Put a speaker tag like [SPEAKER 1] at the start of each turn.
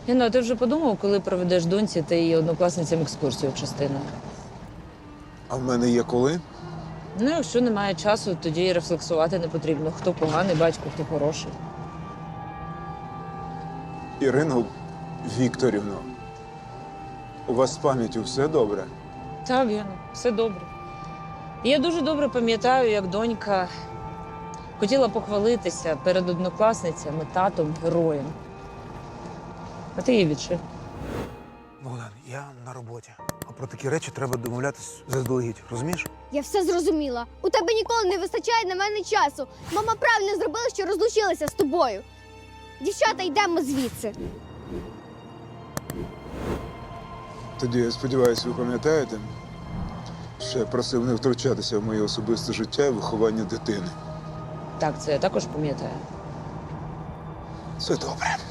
[SPEAKER 1] Інно, а ти вже подумав, коли проведеш доньці та її однокласницям екскурсію частиною?
[SPEAKER 2] А в мене є коли?
[SPEAKER 1] Ну, якщо немає часу, тоді і рефлексувати не потрібно. Хто поганий батько, хто хороший.
[SPEAKER 2] Ірино Вікторівно, у вас з пам'яттю все добре?
[SPEAKER 1] Так, Гена, все добре. І я дуже добре пам'ятаю, як донька хотіла похвалитися перед однокласницями татом героєм. А ти її відшив.
[SPEAKER 3] Богдан, я на роботі. А про такі речі треба домовлятись заздалегідь, розумієш?
[SPEAKER 4] Я все зрозуміла. У тебе ніколи не вистачає на мене часу. Мама правильно зробила, що розлучилася з тобою. Дівчата, йдемо звідси.
[SPEAKER 2] Тоді, я сподіваюся, ви пам'ятаєте, що я просив не втручатися в моє особисте життя і виховання дитини.
[SPEAKER 1] Так, це я також пам'ятаю.
[SPEAKER 2] Все добре.